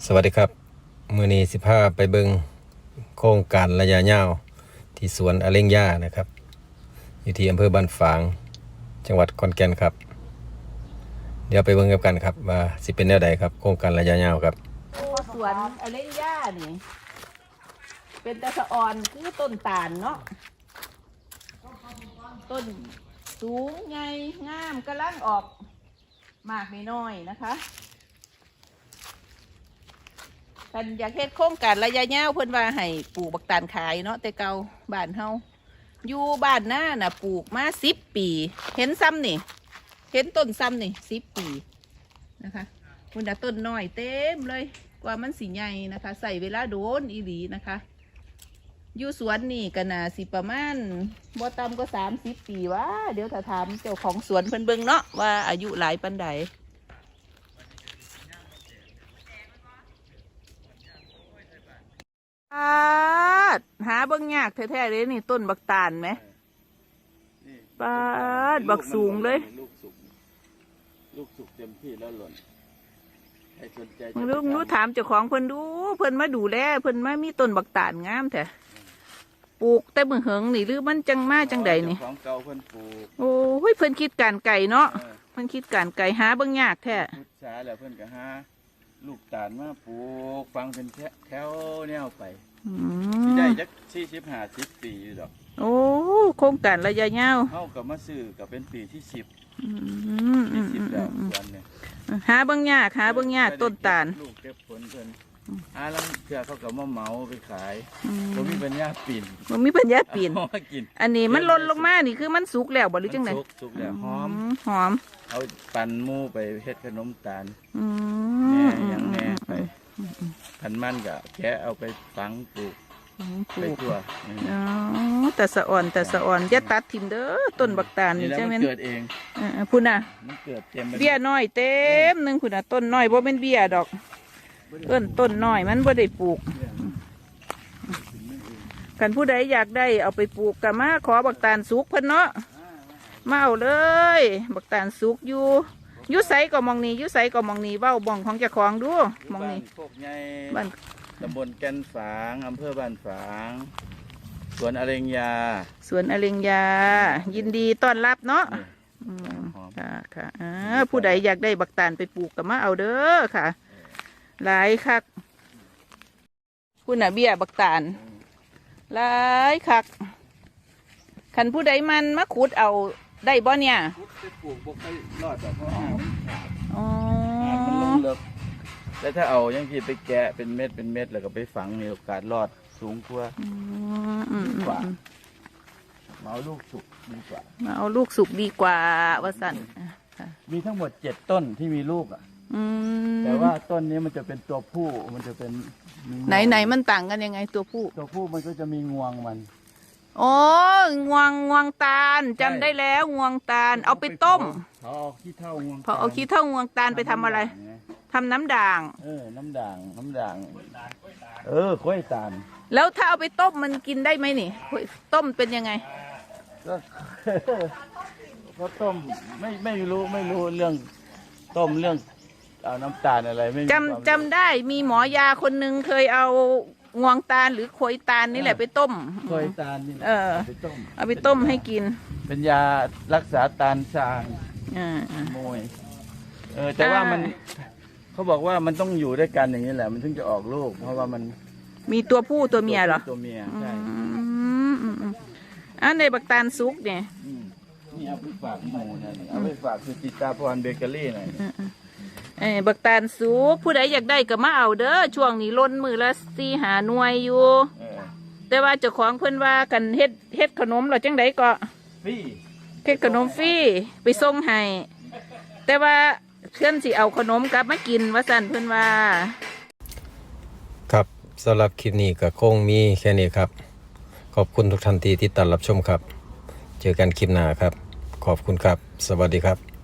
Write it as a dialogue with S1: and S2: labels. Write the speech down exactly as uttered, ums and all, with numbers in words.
S1: สวัสดีครับมื้อนี้สิพาไปเบิ่งโครงการระยะยาวที่สวนอเล็งย่านะครับอยู่ที่อำเภอบ้านฝางจังหวัดขอนแก่นครับเดี๋ยวไปเบิ่งกันครับว่าสิเป็นแนวใดครับโครงการระยะยาวครับ
S2: สวนอเล็งย่านี่เป็นตะสะออนคือต้นตาลเนาะต้นสูงใหญ่งามกำลังออกมากไม่น้อยนะคะกันอยากเฮ็ดโครงการระยะยาวเพิ่นว่าให้ปลูกบักตาลขายเนาะแต่เก่าบ้านเฮาอยู่บ้านหน้าน่ะปลูกมาสิบปีเห็นซ้ำนี่เห็นต้นซ้ำนี่สิบปีนะคะคุณน่ะต้นน้อยเต็มเลยกว่ามันสิใหญ่นะคะใส่เวลาโดนอีหลีนะคะอยู่สวนนี่ก็น่าสิประมาณบ่ต่ำก็สามสิบปีวะเดี๋ยวถ้าถามเจ้าของสวนเพิ่นเบิ่งเนาะว่าอายุหลายปานใดหาเบิ่งยากแท้ๆเลยนี่ต้นบักตาลไหมปาดบักสูงเลย
S3: ลูกสุกลูกสุกเต็มที่แล้วหล่นใครสนใจ
S2: ลูกนู้ถามเจ้าของเพิ่นดูเพิ่นมาดูแลเพิ่นมามีต้นบักตาลงามแท้ปลูกแต่มือเหิงนี่หรือมันจังมาจังใดนี่
S3: ของเก่าเพิ่นปลูก
S2: โอ้ยเพิ่นคิดการไก่เนาะเพิ่นคิดการไก่หาเบิ่งยากแท้
S3: พุทธาแล้วเพิ่นก็หาลูกตาลมาปลูกฟังเป็นแถวแนวไปได้จักสี่สิบห้าสิบปีอยู่ดอก
S2: โอ้โครงการระยะยาว
S3: เข้ากับมาซื้อกับเป็นปีที่สิบ
S2: ปี
S3: สิบแล้ววันเนี่ย
S2: หาเบิ่งยากหาเบิ่งยากต้นตาล
S3: ลูกเก็บผลเพิ่นหาลังเถื่อเขากับมาเหมาไปขายบ่มีปัญญาปีน
S2: บ่มีปัญญาปีนอันนี้มันหล่นลงมานี่คือมันสุกแล้วบ่หรือจังได๋
S3: สุกสุกแล้วหอม
S2: หอม
S3: เอาปั่นหมูไปเฮ็ดขนมตาล
S2: แหน่
S3: ยังแหน่ไปพันมันก็แกะเอาไปฝังปลูกไปทั่ว
S2: อ๋อแต่สะอ่อนแต่สะอ่อนอย่าตัดทิ่มเด้อต้นบักตาลนี่
S3: ใช่ไหมเกิดเอง
S2: พุ่นน่ะ
S3: มันเกิดเต็ม
S2: เบี้ยน้อยเต็มนึงพุ่นน่ะต้นน้อยบ่เป็นเบี้ยดอกต้นต้นน้อยมันบ่ได้ปลูกกันผู้ใดอยากได้เอาไปปลูกก็มาขอบักตาลสุกเพิ่นเนาะมาเอาเลยบักตาลสุกอยู่ยุไสก็มองนี้ยุไสก็มองนี้เว้าบ่องของเจ้าของดูมองนี้
S3: โคกใหญ่บ้านตำบลแก่นฝางอำเภอบ้านฝางสวนอเล็งยา
S2: สวนอเล็งยายินดีต้อนรับเนาะค่ะค่ะผู้ใดอยากได้บักตาลไปปลูกก็มาเอาเด้อค่ะหลายคักคุณน่ะเบี้ยบักตาลหลายคักคันผู้ใดมันมาขุดเอาได้บ่เนี่ย
S3: ปลูกบ่ค่อยรอดดอกเพราะ
S2: อ๋อ
S3: มันลงเลิกแล้วถ้าเอายังที่ไปแกะเป็นเม็ดเป็นเม็ดแล้วก็ไปฝังมีโอกาสรอดสูงกว่า
S2: กว่า
S3: มาเอาลูกสุกดีกว่า
S2: มาเอาลูกสุกดีกว่าวสัน
S3: มีทั้งหมดเจ็ดต้นที่มีลูกอ่ะแต่ว่าต้นนี้มันจะเป็นตัวผู้มันจะเป็น
S2: ไหนไหนมันต่างกันยังไงตัวผู้
S3: ตัวผู้มันก็จะมีงวงมัน
S2: โอ้งวงงวงตาลจำได้แล้วงวงตาลเอาไปต้ม
S3: พอเอาขี้เท่างวง
S2: พอเอาขี้เท่างวงตาลไปทำอะไรทำน้ำด่าง
S3: เออน้ำด่างน้ำด่างเออข้อยตาล
S2: แล้วถ้าเอาไปต้มมันกินได้ไหมนี่ต้มเป็นยังไง
S3: ก็ก็ต้มไม่ไม่รู้ไม่รู้เรื่องต้มเรื่องเอาน้ำตาลอะไรไม่
S2: จำจำได้มีหมอยาคนหนึ่งเคยเอางวงตาลหรือโขยตาลนี่แหละไปต้ม
S3: โขยตาลนี่
S2: เออไปต้มเอาไปต้มให้กิน
S3: เป็นยารักษาตาลทรางมวยเออแต่ว่ามันเขาบอกว่ามันต้องอยู่ด้วยกันอย่างนี้แหละมันถึงจะออกลูกเพราะว่ามัน
S2: มีตัวผู้ตัวเมียเหรอ
S3: ตัวเมียใช่
S2: อันในบักตาลซุกเนี่ย
S3: นี่เอาไปฝากหมูนะเอาไปฝากคือจิตาพรเบเกอรี่หน่อย
S2: เออบักตาลซุกผู้ใดอยากได้ก็มาเอาเด้อช่วงนี้ล้นมือละสี่หาหน่วยอยู่แต่ว่าเจ้าของเพิ่นว่ากันเฮ็ดเฮ็ดขนมหรอจังไดก็
S3: ฟรี
S2: เฮ็ดขนมฟรีไปส่งให้แต่ว่าเพื่อนสิเอาขนมกลับมากินว่าสั่นเพื่อนว่า
S1: ครับสำหรับคลิปนี้ก็คงมีแค่นี้ครับขอบคุณทุกท่านที่ติดตามรับชมครับเจอกันคลิปหน้าครับขอบคุณครับสวัสดีครับ